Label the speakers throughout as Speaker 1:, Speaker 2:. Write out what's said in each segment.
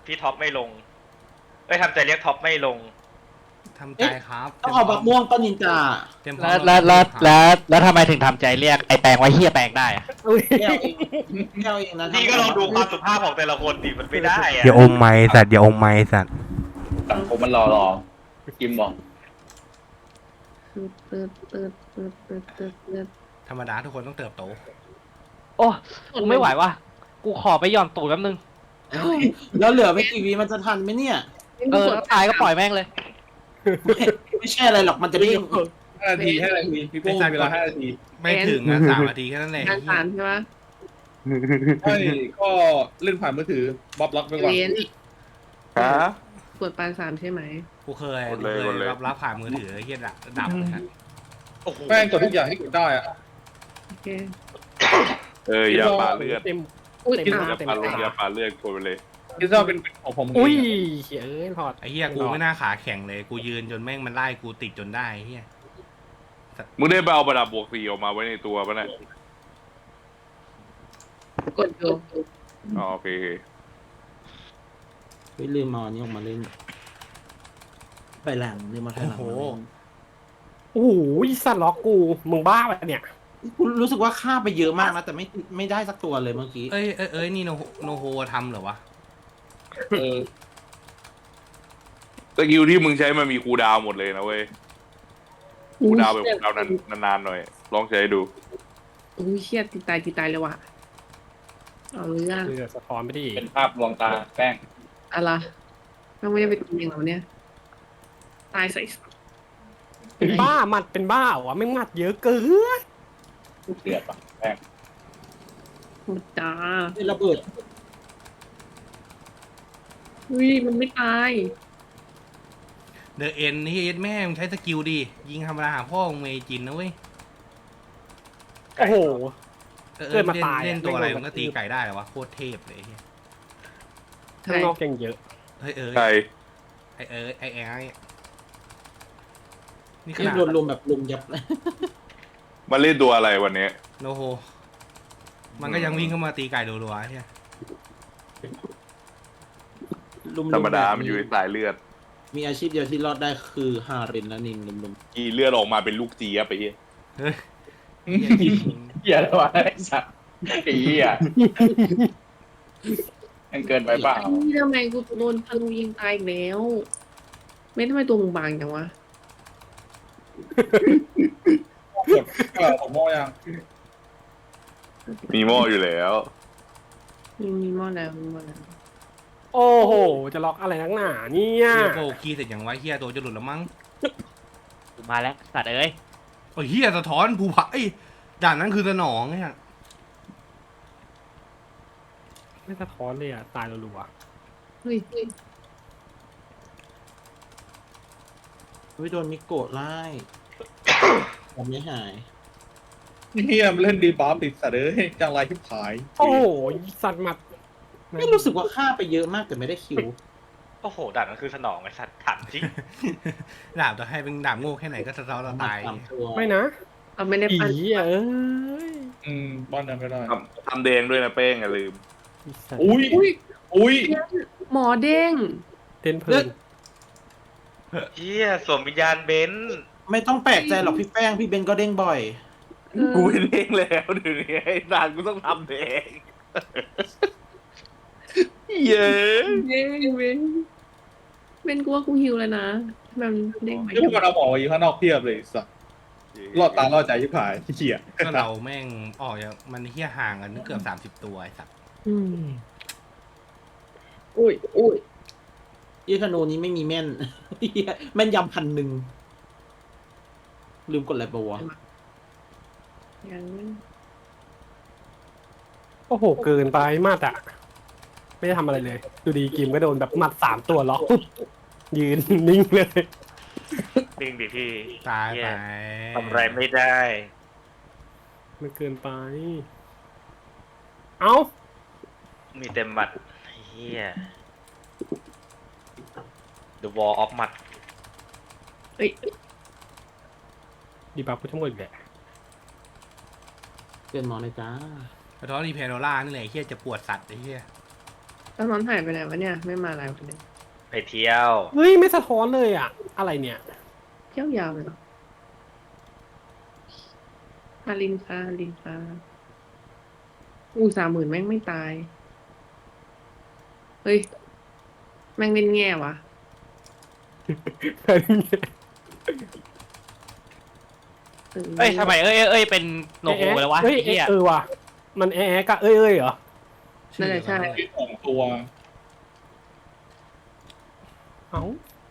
Speaker 1: พี่ท็อปไม่ลงทำใจเรียกท็อปไม่ลง
Speaker 2: ทำใจครับ
Speaker 3: ต้องเอาบักม่วงป้านินจา
Speaker 2: เตรียมพร้อ
Speaker 4: แล้
Speaker 2: ม
Speaker 4: วแล้วแล้วแล้วแล้วทำไมถึงทำใจเรียกไอ้แปลงไว้เฮียแปลงได้อะ
Speaker 3: แก้วเองแก้วเองนะ
Speaker 1: พี่ก็ลองดูความสุภาพของแต่ละคนดิมันไม่ได้อะ
Speaker 5: อย่าอมไม้สัตว์อย่าอมไม้สัตว์
Speaker 6: สังคมมันรอกิมบอก
Speaker 2: ธรรมดาทุกคนต้องเติบโต
Speaker 4: โอ้กูไม่ไหวว่ะกูขอไปหย่อนตูดแป๊บนึง
Speaker 3: แล้วเหลือไม่กี่วีมันจะทันไหมเนี่ย
Speaker 4: ถ้าตายก็ปล่อยแม่งเลย
Speaker 3: ไม่ใช่อะไรหรอกมันจะเด้ง
Speaker 6: 5 นาทีพี่โป้เวลา5 นาที
Speaker 2: ไม่ถึงนะ3 นาทีแค่นั้นแหละ
Speaker 7: งานสารใช่ไหม
Speaker 6: ใช่ก็เล่นผ่านมือถือบ๊อบล็อกไปก่อน
Speaker 7: เรียน
Speaker 8: ฮะ
Speaker 7: กดปานสามใช่ไหม
Speaker 2: กูเคย
Speaker 8: กดเลย
Speaker 2: รับผ่านมือถือเฮียดับเลยฮะ
Speaker 1: โอ้โห
Speaker 6: แป้งกดทุกอย่างให้กดได้อะ
Speaker 7: โอเค
Speaker 8: ยาปลาเลือด
Speaker 7: อุ้ย
Speaker 8: ยาปลาเลือดยาปลาเลือดกดไปเลย
Speaker 6: คิดว่าเป็นของผม
Speaker 9: อุ้ยเอ้ยพอด
Speaker 2: ไอ้เฮียกูไม่น่าขาแข็งเลยกูยืนจนแม่งมันไล่กูติดจนได้เฮีย
Speaker 8: มึงได้ไปเอาประดับบวก4ออกมาไว้ในตัวปะเนี่ย
Speaker 7: กดอยู่
Speaker 8: อ๋อโอเค
Speaker 3: ไม่ลืมมาอันนี้ออกมาเล่น ไปหลังลืมมาถ่ายหลังมาเล่น
Speaker 9: โอ้โหสัตว์ล็อกกูมึงบ้าไปะเนี่ย
Speaker 3: คุณรู้สึกว่าฆ่าไปเยอะมากนะแต่ไม่ได้สักตัวเลยเมื่อกี้
Speaker 2: เอ้ยนี่โนโฮทำเหรอวะ
Speaker 8: สกิลที่มึงใช้มันมีคูลดาวน์หมดเลยนะเว้ยคูลดาวน์แบบคูลดาวน์นานๆหน่อย ลองใช้ดู
Speaker 7: อุ้ยเชี่ยตีตายเลยว่ะเอาเรื่อง
Speaker 9: เลือดสะท้อนไปดิ
Speaker 6: เป็นภาพลวงตาแป้ง
Speaker 7: อะไรต้องไม่ได้ไปตีอย่างเราเนี่ยตายใส่
Speaker 9: เป็นบ้าหมัดเป็นบ้าเหรอไม่หมัดเยอะเกิน
Speaker 6: เดือดปะแป้ง
Speaker 7: หมดจ้า
Speaker 3: เป็นระเบิด
Speaker 7: อุ้ยมันไม่ตาย
Speaker 2: เดอะเอ็นเฮียแม่มึงใช้สกิลดิยิงธรรมดาหาพ่อมึงเมจินนะเว้ย
Speaker 9: โอ้โห เกิดมาตาย
Speaker 2: เล่นตัวอะไร
Speaker 9: ไม่โดน
Speaker 2: มันก็ตีไก่ได้เหรอวะโคตรเทพเลยเฮีย
Speaker 9: ข้างนอกยังเยอะ
Speaker 2: เฮ้ย
Speaker 8: ใช่
Speaker 2: ไอแอ้นี่ข
Speaker 3: ที่
Speaker 2: นาด
Speaker 3: โดนลุมแบบลุมยับ
Speaker 8: มาเล่นตัวอะไรวันนี้
Speaker 2: โนโฮมันก็ยังวิ่งเข้ามาตีไก่รัวๆเฮีย
Speaker 3: ลุม
Speaker 8: ธรรมดามันอยู่ในสายเลือด
Speaker 3: มีอาชีพเดียวที่รอดได้คือฮารินและนินลุม
Speaker 8: กี่เลือดออกมาเป็นลูกเจี๊ยบไปเฮีย
Speaker 2: เฮ้ย
Speaker 6: เหี้ยแล้ววะไอ้สัตว์ไอ้เหี้ยมันเกินไปเปล่า
Speaker 7: นี่ทำไมกูโดนธนูยิงตายอีกแล้ว ไม่ทำไมตัวมึงบางจังวะ
Speaker 6: ผมมองยัง
Speaker 8: มีหม้ออยู่แล้ว
Speaker 7: มีหม้อแล้วมีหม้อแล้ว
Speaker 9: โอ้โหจะล็อกอะไรนักหนาเนี่ย
Speaker 2: เฮียโปคีเสร็จอย่างไวเฮียตัวจะหลุดแล้วมั้ง
Speaker 4: มาแล้วสัตว์เอ้ย
Speaker 2: โอ้ยเฮียสะท้อนภูผาด่านนั้นคือสนองเนี่ย
Speaker 9: ไม่สะท้อนเลยอ่ะตายรัว
Speaker 7: เฮ้ย
Speaker 3: ๆเฮ้ยโดนมิโกะไล่ยังไม่หาย
Speaker 6: เหี้ยมันเล่นดีบัฟติดสัตว์เอ้ยจังไรที่ผาย
Speaker 9: ๆโอ้โหสัตว์หมัด
Speaker 3: ไม่รู้สึกว่าฆ่าไปเยอะมากแต่ไม่ได้คิว
Speaker 1: โอ้โหด่านนั้นคือสนองไอ้สัตว์ถามจริง
Speaker 2: ดาบจะให้เป็นดาบโง่แค่ไหนก็สะท้อนเราตาย
Speaker 3: สามตัว
Speaker 9: ไม่นะ
Speaker 7: เราไม่ได้
Speaker 9: อี
Speaker 7: ปั้น
Speaker 9: เอ้ย
Speaker 6: บ้านนั้นก็ได้
Speaker 8: ทำแดงด้วยนะเป้งอย่าลืม
Speaker 9: อีสัตว์
Speaker 6: อุ้ย
Speaker 7: หมอเด้ง
Speaker 9: เต้นเพลิน
Speaker 1: เฮียสวมวิญญาณเบนซ์
Speaker 3: ไม่ต้องแปลกใจหรอกพี่แป้งพี่เบนก็เด้งบ่อย
Speaker 8: กูไม่เด้งแล้วเดี๋ยวนี้ไอ้สารกูต้องทำแดงเย้
Speaker 7: เด้งเว้นเป็นกูว่ากูหิวแล้วนะมันเด้งไป
Speaker 6: ที่พวกมันเอาหมออยู่ข้างนอกเพียบเลยสัตว์รอดตารอดใจที่ผายที่เหี้ย
Speaker 2: ก็เราแม่งออกจากมันเฮียห่างกันเกือบ30 ตัวไอ้สัตว์
Speaker 7: อุ้ย
Speaker 3: ยี่ธนูนี้ไม่มีแม่น แม่นยำ1,000ลืมกดอะไรปะวะ
Speaker 7: ยัง
Speaker 9: โอ้โหเกินไปหมัดอ่ะไม่ได้ทำอะไรเลยดูดีกิมก็โดนแบบหมัด3 ตัวล็อกปุ๊บยืนนิ่งเลย
Speaker 1: จริงดิพี่
Speaker 2: ตาย
Speaker 1: เหี้
Speaker 2: ไป
Speaker 1: ทำอะไรไม่ได้
Speaker 9: มันเกินไป เอ้า
Speaker 1: มีเต็มหมัดเฮีย The Wall of หมัด
Speaker 7: เอ้ย
Speaker 9: ดีบัฟกูทั้งหมดแหละ
Speaker 3: เกินหมอเลยจ้า
Speaker 2: สะท้อนรีเพโนล่านี่แหละเฮียจะปวดสัตว์ไอ้เฮีย
Speaker 7: ตอนนอนหายไปไหนวะเนี่ย ไม่มาอะไรวันนี้
Speaker 1: ไปเที่ยว
Speaker 9: เฮ้ยไม่สะท้อนเลยอ่ะ อะไรเนี่ย
Speaker 7: เที่ยวยาวเลยเหรอฮารินค่ะฮารินค่ะ30,000แม่งไม่ตาย เฮ้ย แม่งเป็นแง่วะ
Speaker 4: เอ้ยทำไมเอ้ยเป็นโนโฮแล้ววะ
Speaker 9: เฮ้ย
Speaker 4: ไอ้เหี้ย
Speaker 9: ว่ะมันแอะกะเอ้ยเหรอ
Speaker 7: นั่นแหละใช่
Speaker 6: ที่สองตัว
Speaker 9: เอ้า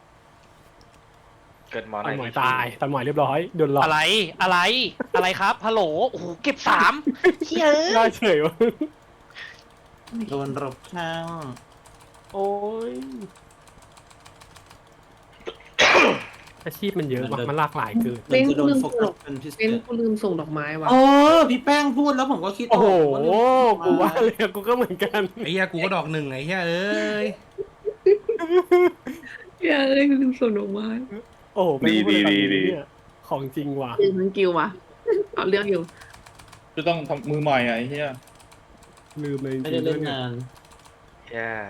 Speaker 1: เกิดมอ
Speaker 9: ตั
Speaker 1: น
Speaker 9: นหมอยตายตันหมอยเรียบร้อยโดนหลอก
Speaker 4: อะไรครับฮัลโหลโอ้โหเก็บ3เหี้ย
Speaker 9: น่าเฉยวะ
Speaker 3: โดนรบข้าง
Speaker 9: โอ้ยอาชีพมันเยอะว่ะมันหลากหลายเกิน
Speaker 3: มันจะโดนโฟกัสเป็นพิเศ
Speaker 7: เป็น
Speaker 3: ษ
Speaker 7: กูลืมส่งดอกไม้วะ
Speaker 3: เออพี่แป้งพูดแล้วผมก็คิด
Speaker 9: โอ้โห
Speaker 3: ว่า
Speaker 9: กูว่าเลยกูก็เหมือนกัน
Speaker 2: ไอ้เหี้ยกูก็ดอกหนึ่งไอ้เหี้ยเอ้ย
Speaker 7: อย่าเลยกูลืมส่งดอกไม้
Speaker 9: โอ้โหเป็นผู้
Speaker 8: ดี
Speaker 9: บริ
Speaker 8: ดี
Speaker 9: การเนี่ยของจริงว่ะ
Speaker 7: ลืมมันกิววะเอาเรื่องอยู่
Speaker 6: จะต้องทำมือใหม่อ่ะไอ้เหี้ย
Speaker 9: ลืมเลยจ
Speaker 3: ไม่
Speaker 9: ริ
Speaker 3: ได้
Speaker 9: งๆ
Speaker 3: เล่น
Speaker 9: เนี่ย
Speaker 3: นาน
Speaker 1: ย่า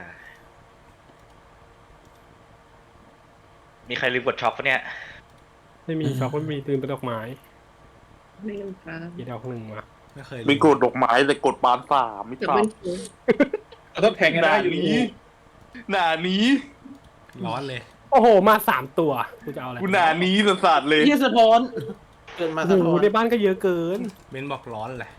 Speaker 1: มีใครลืมกดช็อปปะเนี่ย
Speaker 9: ไม่มีช็อกไม่มีตื่นเป็นดอกไม้
Speaker 7: ไม่ลืมครับ
Speaker 9: อีกดอกหนึ่งมา
Speaker 2: ไม่เคย
Speaker 8: ไม่กดดอกไม้แต่กดปานสามไม่
Speaker 7: เดี๋ยว
Speaker 8: ตา
Speaker 7: เป็
Speaker 8: ม
Speaker 7: นกู
Speaker 6: เราต้องแทงกัน
Speaker 8: ห
Speaker 6: ได้
Speaker 8: น้า
Speaker 6: อยู่
Speaker 8: นี้หน้านี้
Speaker 2: ร้อนเลย
Speaker 9: โอ้โหมา3ตัวกูจะเอาอะไร
Speaker 8: กูหน้านี้สัสๆเลย
Speaker 3: เฮียสะท้อนเกินมา
Speaker 9: โอ้
Speaker 3: สะ
Speaker 9: โห
Speaker 3: ท้อน
Speaker 9: ในบ้านก็เยอะเกิน
Speaker 2: เบนบอกร้อนแหละ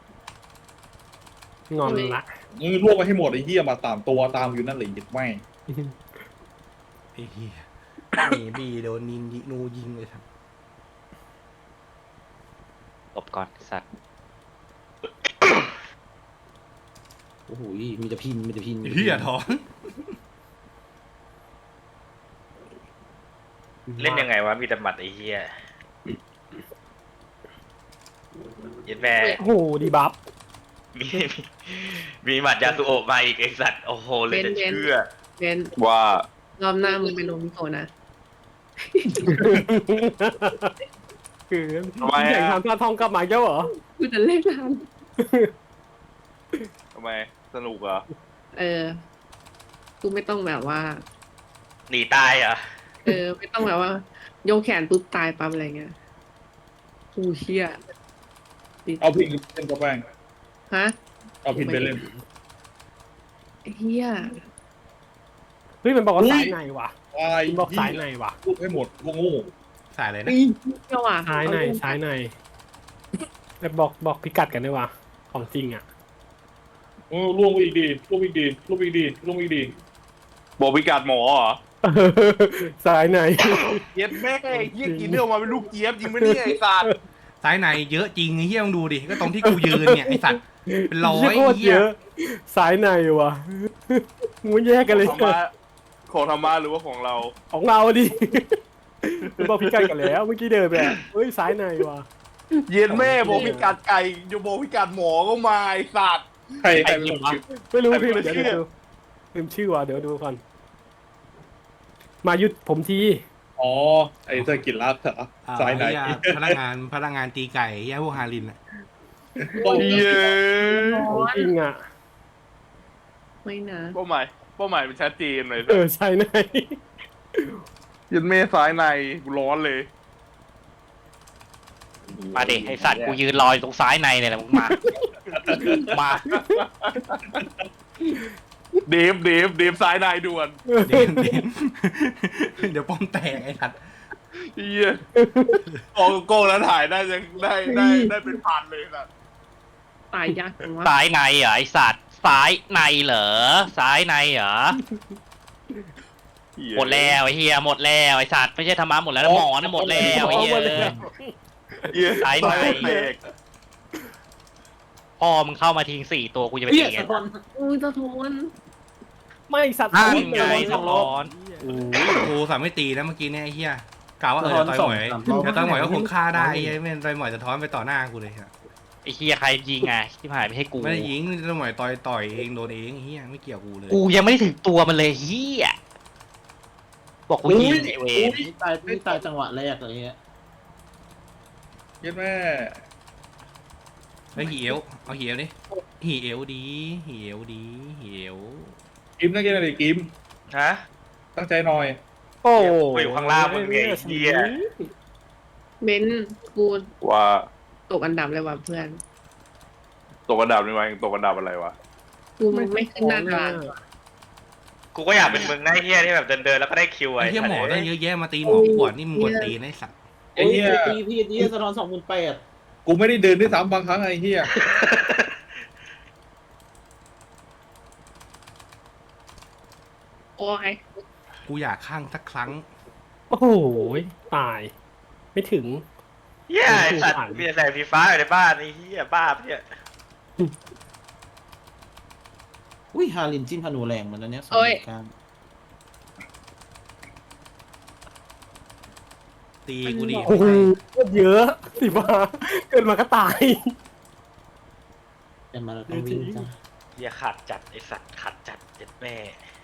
Speaker 9: งอนละ
Speaker 6: มึงรวบไปให้หมดไอ้เหี้ยมา3ตัวตามอยู่นั่นเลยหยิบไม่
Speaker 2: ไอ้เหี้ยมีบีโดนนินยินูยิงเลยครับ
Speaker 4: หลบก่อนสัตว์
Speaker 3: โอ้โหมีแต่พินมีแต่พิน
Speaker 2: ไอ้เหี้ยท้อง
Speaker 1: เล่นยังไงวะ มีแต่หมัดไอ้เหี้ยยันแม่
Speaker 9: โอ้โหดีบัฟ
Speaker 1: มีมีหมัดยาสุโอะมาอีกไอสัตว์ โอ้โห เลยจะเชื่อ
Speaker 7: เป็น
Speaker 8: ว่า
Speaker 7: รอบหน้ามึงเป็นโรมิโกะนะ
Speaker 9: คือ
Speaker 8: ทำไม
Speaker 9: อยาก
Speaker 8: อะ
Speaker 9: ทำปลาทองกลับมาเจ้าเหรอ
Speaker 7: กูจะเล่นทัน
Speaker 8: ทำไมสนุกเหรอ
Speaker 7: กูไม่ต้องแบบว่า
Speaker 1: หนีตายเหรอ
Speaker 7: ไม่ต้องแบบว่า โยกแขนปุ๊บตายปั๊บอะไรเงี้ยกูเชี่ย
Speaker 6: เอาพินเล่นกับแป้ง
Speaker 7: ฮะ
Speaker 6: เอาพินไปเล่น
Speaker 7: ไอ้เฮีย
Speaker 9: เฮ้ยมันบอกว่าสายในว่ะ
Speaker 6: ตาย
Speaker 9: มันบอกสายในว่ะ
Speaker 6: รวบให้หมดโง่
Speaker 2: สายอะไรนะ
Speaker 7: เจ้าว่ะ
Speaker 9: สายในสายในแล้วบอกพิกัดกันด้วยว่ะของจริงอ่ะ
Speaker 6: รวบไปอีกดีรวบอีกดีรวบอีกดีรวบอีกดี
Speaker 8: บอกพิกัดหมอเหรอ
Speaker 9: สายใน
Speaker 8: เย็ดแม่เยี่ยกินเนื้อออกมาเป็นลูกเจี๊ยบจริงไหมเนี่ยไอ้สัตว์
Speaker 2: สายในเยอะจริงไอ้เหี้ยมึงดูดิ ก็ตรงที่กูยืนเนี่ยไอ้สัตว์ เป็นร้อย
Speaker 9: โคตร
Speaker 2: เหี้
Speaker 9: เย
Speaker 2: ย
Speaker 9: อะสายในว่ะมึงแยกกันเลย
Speaker 8: ของธรรมะของธรรมะหรือว่าของเรา
Speaker 9: ของเราดิ มันบอกพิกัดกันแล้วเมื่อกี้เดินไปอะเฮ้ยสายในว่ะ
Speaker 8: เย็นแม่บอกพิกัดไก่จะบอกพิกัดหมอก็มาไอ้สัตว์
Speaker 6: ใครเป็นคนคิด
Speaker 9: ไม่รู้
Speaker 8: ใคร
Speaker 9: พี่
Speaker 8: เป็น
Speaker 9: เดี๋ยว
Speaker 8: ชื่อ
Speaker 9: ดูลืมชื่อว่ะเดี๋ยวดูก่อนมายุดผมที
Speaker 6: อ๋อไอ้เธอกินลัดเหรอ
Speaker 2: อ่า
Speaker 6: สายไหน
Speaker 2: เหี้ยพนักงานตีไก่เหี้ยพวกฮารินอ่ะ
Speaker 8: เย้
Speaker 9: ของจริงอ่ะ
Speaker 7: ไม่นะ
Speaker 8: เป้าหมายเป็นชัดเจนเลย
Speaker 9: สายใน
Speaker 8: เย็นแม่ซ้ายในกูร้อนเลย
Speaker 4: มาดิไอสัตว์กูยืนรออยู่ตรงซ้ายในเนี่ยแหละมึงมามา
Speaker 8: เดฟซ้ายในด่วน
Speaker 2: เดี๋ยวเดี๋ยวป้อมแตกไอ้สัตว์
Speaker 8: เฮียโกแล้วถ่ายได้จะได้เป็นพันเลยนะ
Speaker 7: ตายยากจังวะ
Speaker 4: ซ้ายในเหรอไอสัตว์ซ้ายในเหรอซ้ายในเหรอหมดแล้วไอเฮียหมดแล้วไอสัตว์ไม่ใช่ธรรมะหมดแล้วนะหมอนะหมดแล้วไอเฮีย
Speaker 8: เฮีย
Speaker 4: ซ้ายใน
Speaker 8: แตก
Speaker 4: พอมึงเข้ามาทิ้ง4 ตัวกูจะไป
Speaker 3: เฮีย
Speaker 4: ตี
Speaker 3: สะท้อน
Speaker 7: อุ้ยสะท้อน
Speaker 9: ไม่สัตว์
Speaker 4: นั่นไงสะท้อน
Speaker 2: โอ้โหกูสามไม่ตีนะเมื่อกี้เนี่ยไอ้เหี้ยกล่าวว่าเดี๋ยวต่อยหมอย
Speaker 3: สะท้อน
Speaker 2: เดี๋ยวต่อยหมอยก็คงฆ่าได้ไอ้เหี้ยไม่ต่อยหมอยจะท้อนไปต่อหน้ากูเลยครับ
Speaker 4: ไอเฮียใครยิงไงที่ผ่านไม่ให้กู
Speaker 2: ไม่ได้ยิงต่อยหมอยต่อยเองโดนเองไอ้เหี้ยไม่เกี่ยวกูเลย
Speaker 4: กูยังไม่ได้ถึงตัวมันเลยเฮียบอกกูยิงไอเวร
Speaker 3: นี่ตายจังหวะแรกเลยเงี้ย
Speaker 6: เย็นแม่
Speaker 2: ไอ้เหี่ยวเอาเหี่ยวดิเหี่ยวดีเหี่ยวดีเหี่ยว
Speaker 6: กิมตั้งใจหน่อยดิกิม
Speaker 1: ฮะ
Speaker 6: ตั้งใจหน่อย
Speaker 9: โอ้
Speaker 1: กูอยู่ข้างล่างมึงไงไอ้เหี้ย
Speaker 7: เบนกู
Speaker 8: ว่า
Speaker 7: ตกอันดับเลยว่ะเพื่อน
Speaker 8: ตกอันดับนี่วะตกอันดับอะไรวะ
Speaker 7: กูมันไม่ขึ้นหน้าตาราง
Speaker 1: กูก็อยากเป็นมึงนะไอ้เหี้ยที่แบบเดินแล้วก็ได้คิว
Speaker 2: ไอ้เหี้ยหมอ
Speaker 1: สั
Speaker 2: ตั้
Speaker 1: ต
Speaker 2: ง
Speaker 1: ว์
Speaker 2: เยอะแยะมาตีหมอขวดนี่มึงกวนตีนไอ้สัตว์
Speaker 6: ไอ้เหี้ย
Speaker 3: พี่สะท้อน28,000
Speaker 6: กูไม่ได้เดินด้วยซ้ำบางครั้งไอ้เหี้ย
Speaker 7: โอ้ย
Speaker 2: กูอยากข้างสักครั้ง
Speaker 9: โอ้โหตาย ไม่ถึง
Speaker 1: เหี้ยไอ้สัตว์มีแต่ไฟฟ้าอยู่ในบ้านไอ้เหี้ยบ้าปะเนี่ย
Speaker 3: อุ้ยฮารินจิ้มพนูแรงเหมือนแล้วเนี้ย
Speaker 7: โอ้ย
Speaker 2: ตีกูดิ
Speaker 9: โอ้โหเยอะสิบ้าเกินมาก็ตาย
Speaker 3: เป็นมาแล้วต้องวิ่งจ้ะ
Speaker 1: เหี้ยขาดจัดไอ้สัตว์ขาดจัดเจ็ดแม่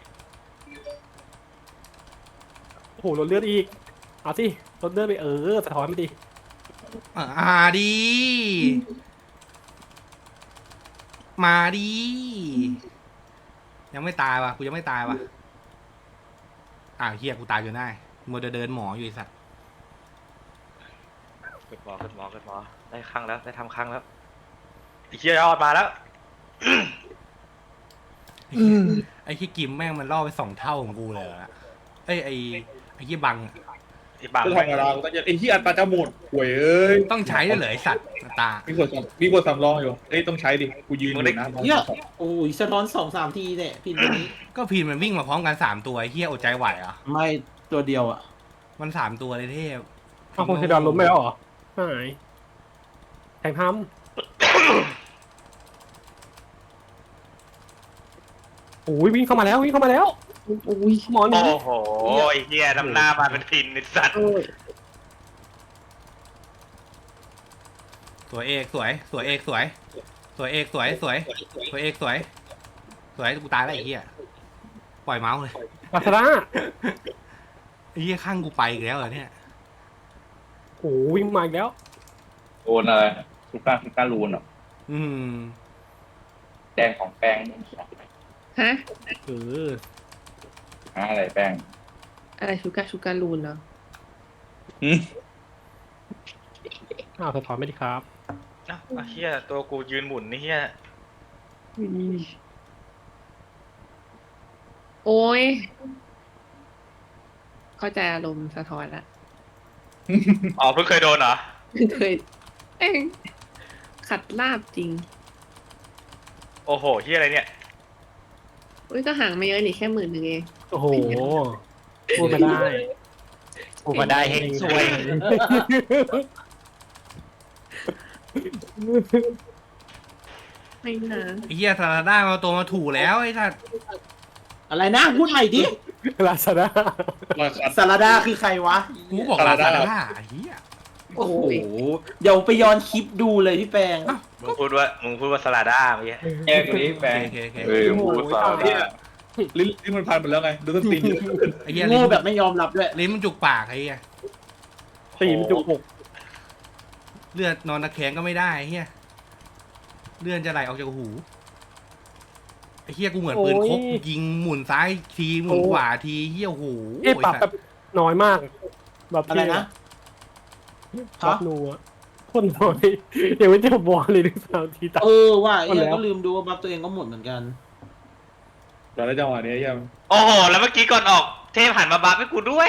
Speaker 9: โอ้โหลดเลือดอีก เอาสิลดเลือดไปสะท้อนไปดิ
Speaker 2: ดีมาดียังไม่ตายวะกูยังไม่ตายวะเฮียกูตายจนได้มัวแต่เดินหมออยู่ไอ้สัตว์
Speaker 1: ขึ้นหมอได้ครั้งแล้วได้ทำครั้งแล้วไอ้เหี้ยยอดมาแล้ว
Speaker 2: ไอ้ที่กิมแม่งมันล่อไป2 เท่าของกูเลยอะไอ้ที่บังอะ
Speaker 1: ไอ้บาง
Speaker 6: กูธรรมดากูตั้งใจไอ้เหี้ยอัตราจะหมดห่วยเอ้ย
Speaker 2: ต้องใช้ด้วยเหรอไอ้สัตว์ตา
Speaker 6: มีกดสำรองอยู่เอ้ยต้องใช้ดิกูยืนอยู่นะ
Speaker 3: เนี่ยโอ้ยสะท้อน2-3 ทีเนี่ยพี่นี้
Speaker 2: ก็พีนมันวิ่งมาพร้อมกัน3 ตัวไอ้เฮียอดใจไหวเหรอ่ะ
Speaker 3: ไม่ตัวเดียวอ่ะ
Speaker 2: มัน3 ตัวเลยเทพ
Speaker 9: เอาคนเทดอนล้มไปแล้วเหรอหายแทงทำโอ้ยวิ่งเข้ามาแล้ววิ่งเข้ามาแล้ว
Speaker 7: โอ้ย
Speaker 9: หมอนี่
Speaker 1: โอ้โหไอ้เหี้ยนำหน้ามาเป็นพินไอ้สัตว์
Speaker 7: โอ้ย
Speaker 2: สวยเอกสวยกูตายแล้วไอ้เฮียปล่อยเมาส์เลย
Speaker 9: ลาซาด้า
Speaker 2: ไอ้เฮียข้างกูไปอีกแล้วเหรอเนี่ย
Speaker 9: โอ้วิ่งมาอีกแล้ว
Speaker 10: โอนอะไรทุกการรูนเหรอ
Speaker 2: อืม
Speaker 10: แป้งของแป้ง
Speaker 7: ฮะ
Speaker 10: อะไรแป้ง
Speaker 7: อะไรชูการลูนเนาะ
Speaker 9: อ้าวสะท้อนไม่ดีครับ
Speaker 1: อ้าวไอ้เหี้ยตัวกูยืนหมุนไอ้เหี้ย
Speaker 7: โอ้ยเข้าใจอารมณ์สะท้อนละ
Speaker 1: อ๋อเพิ่งเคยโดนเหรอ
Speaker 7: เคยเองขัดลาบจริง
Speaker 1: โอ้โหเหี้ยอะไรเนี่ย
Speaker 7: อุ้ยก็ห่างไม่เยอะนี่แค่10,000เอง
Speaker 9: โอ้โหพูดมาได้
Speaker 4: กูมาได้เฮงซวย
Speaker 7: ไม่นะ
Speaker 2: ไอ้เฮียซาลาด้ามาตัวมาถูแล้วไอ้สัตว์
Speaker 3: อะไรนะพูดใหม่ดิ
Speaker 9: ลาซาด้า
Speaker 3: สารดาคือใครวะ
Speaker 2: กูบอกลาซาด้าไอ้เฮีย
Speaker 3: โอ้โหเดี๋ยวไปย้อนคลิปดูเลยพี่แปง
Speaker 1: มึงพูดว่าสลาด้าเมื่อกี้
Speaker 10: แกตัวนี้แป้ง
Speaker 2: โอเค
Speaker 8: เอ้ยพูดภาษา
Speaker 6: เนี่ยลิ้นมันพันหมดแล้วไงดูต้นตีน
Speaker 2: ไอ้เฮีย
Speaker 3: โง่แบบไม่ยอมรับด้วย
Speaker 2: ลิ้นมันจุกปากไอ้เฮีย
Speaker 9: ตีมจุกอก
Speaker 2: เลือดนอนตะแคงก็ไม่ได้ไอ้เฮียเลือดจะไหลออกจากหูไอ้เฮียกูเหมือนปืนคกยิงหมุนซ้ายทีหมุนขวาทีเฮียโอ้โห
Speaker 9: ปรับแบบน้อยมาก แบบ
Speaker 3: อะไรนะ
Speaker 9: รับนัวคนน้อยเดี๋ยวไม่เจอบอลเลยด้วยซ้ำทีตา
Speaker 3: ว่าไอ้ยังก็ลืมดูว่าบัฟตัวเองก็หมดเหมือนกัน
Speaker 6: ตอนแรกจังหวะนี้ยัง
Speaker 1: โอ้โหแล้วเมื่อกี้ก่อนออกเทพหันมาบัฟให้กูด้วย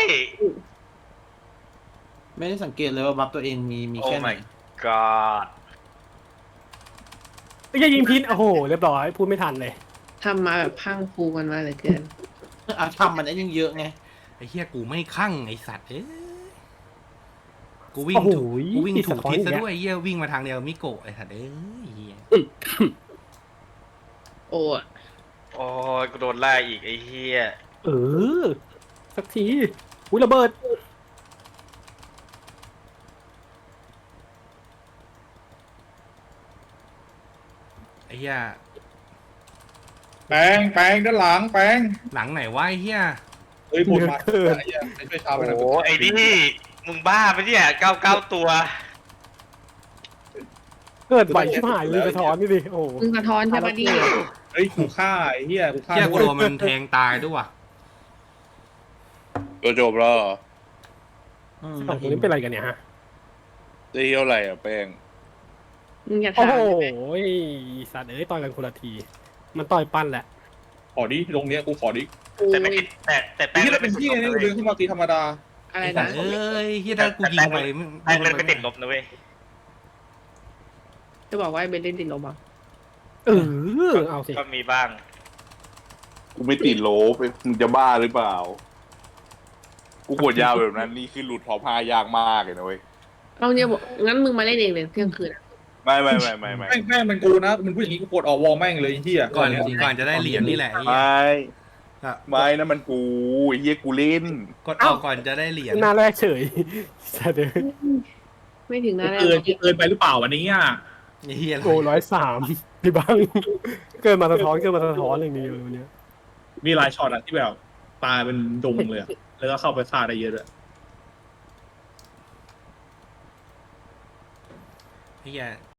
Speaker 3: ไม่ได้สังเกตเลยว่าบัฟตัวเองมีแค่ไหน
Speaker 1: God
Speaker 9: ไม่ใช่ยิงพิษโอ้โหเรียบร้อยพูดไม่ทันเลย
Speaker 7: ทำมาแบบพังฟูกันมาเหลือเกิน
Speaker 3: ทำมันได้ยังเยอะไง
Speaker 2: ไอ้เฮียกูไม่คั่งไอ้สัตว์เอ้ยกูวิ่
Speaker 9: โอ้
Speaker 2: ง
Speaker 9: โห
Speaker 2: ถูกทิศซะ
Speaker 9: อีก
Speaker 2: ด้วยไอ้เฮียวิ่งมาทางเดียวกับมิโกะไอ้สัตว์เอ้ยเฮีย
Speaker 7: โอ้ย
Speaker 1: โอ้ยกูโดนไล่อีกไอ้เหี้ย
Speaker 9: สักทีอุ้ยระเบิด
Speaker 2: ไอ้เฮีย
Speaker 6: แปงด้านหลังแปง
Speaker 2: หลังไหนวะไอ้เฮีย
Speaker 6: เฮ้ยปวดมาไอ้เหี้ยไม่ช่วยชาวไป
Speaker 1: โอ้
Speaker 6: นะ
Speaker 1: โหไอ้นี่มึงบ้าไปเนี่ย99ตัว
Speaker 9: เกิดไหวชิบหายเลยสะท้อนนี่ดิโอ้โห
Speaker 7: มึงสะท้อนใช่ปะดิ
Speaker 6: เฮ้ยกูฆ่าไอ้เหี้ยกูฆ่า
Speaker 2: เชี่ยกู
Speaker 6: ด้วย
Speaker 2: โดนมันแทงตายด้วยว่ะ
Speaker 8: ตัวจบแล้วเหรอ
Speaker 9: สองคนนี้เป็นอะไรกันเนี่ยฮะ
Speaker 8: ได้เที่ยวอะไรอ่ะแป้ง
Speaker 7: มึงอย่า
Speaker 9: โอ้
Speaker 7: ถาม
Speaker 9: โห
Speaker 7: เลย
Speaker 9: สัตว์เอ้ยต่อยกันคนละที มันต่อยปั้นแหละ
Speaker 6: ขอดิตรงเนี้ยกูขอดิ
Speaker 1: แต่ไม่ติดแต่
Speaker 6: ไอ้
Speaker 1: แป้ง
Speaker 6: เหี้ย
Speaker 1: เล่
Speaker 6: เรา
Speaker 1: น
Speaker 6: เป็
Speaker 1: เป็น น
Speaker 6: พี่
Speaker 1: พี่
Speaker 6: ไง
Speaker 1: นะ
Speaker 6: นี่
Speaker 1: เว้
Speaker 6: เดิน
Speaker 1: ย
Speaker 6: ขึ้นมาตีธรรมดา
Speaker 7: อะไร
Speaker 2: ไอ้สั
Speaker 7: นะ
Speaker 2: ตว์เอ้ยเฮียถ้ากูยิงไป
Speaker 1: แป้งเล่นไปติดลบนะเว้ย
Speaker 7: จะบอกว่าเบนเล่นติดลมอ่ะ
Speaker 9: เออ เอาสิ
Speaker 1: ก็มีบ้าง
Speaker 8: กูไม่ติดโลไปมึงจะบ้าหรือเปล่า กูกดยาวแบบนั้นนี่คือหลุดพอพายากมากเลยนะเว้ย
Speaker 7: เอาเนี่ยบอกงั้นมึงมาเล่นเองเลยเที่ยงคืนอ่ะ
Speaker 8: ไม่
Speaker 6: แม่งมันกูนะมันพูดอย่างนี้กูกดออกวอลแม่งเลยไอ้เหี้ย
Speaker 2: ก่อนจะได้เหรียญนี่แหละไอ้เหี้ย
Speaker 8: ไม่
Speaker 2: อ่ะ
Speaker 8: ไม่นะมันกูไอ้เหี้ยกูเล่น
Speaker 2: กดออกก่อนจะได้เหรียญ
Speaker 9: หน้าแรกเฉยสัตว์เอ้ย
Speaker 7: ไม่ถึงหน้าแรก
Speaker 6: เกินไปหรือเปล่าวันนี้อ่ะ
Speaker 2: ไอ้เฮีย
Speaker 9: โอ้103พี่บังเกินมาสะท้อนอย่างนี้เลยวันเนี้ย
Speaker 6: มีหลายช็อตอะที่แบบตายเป็นดงเลยอะแล้วก็เข้าไปฆ่าได้เยอะด้วย
Speaker 2: ไอ้เฮีย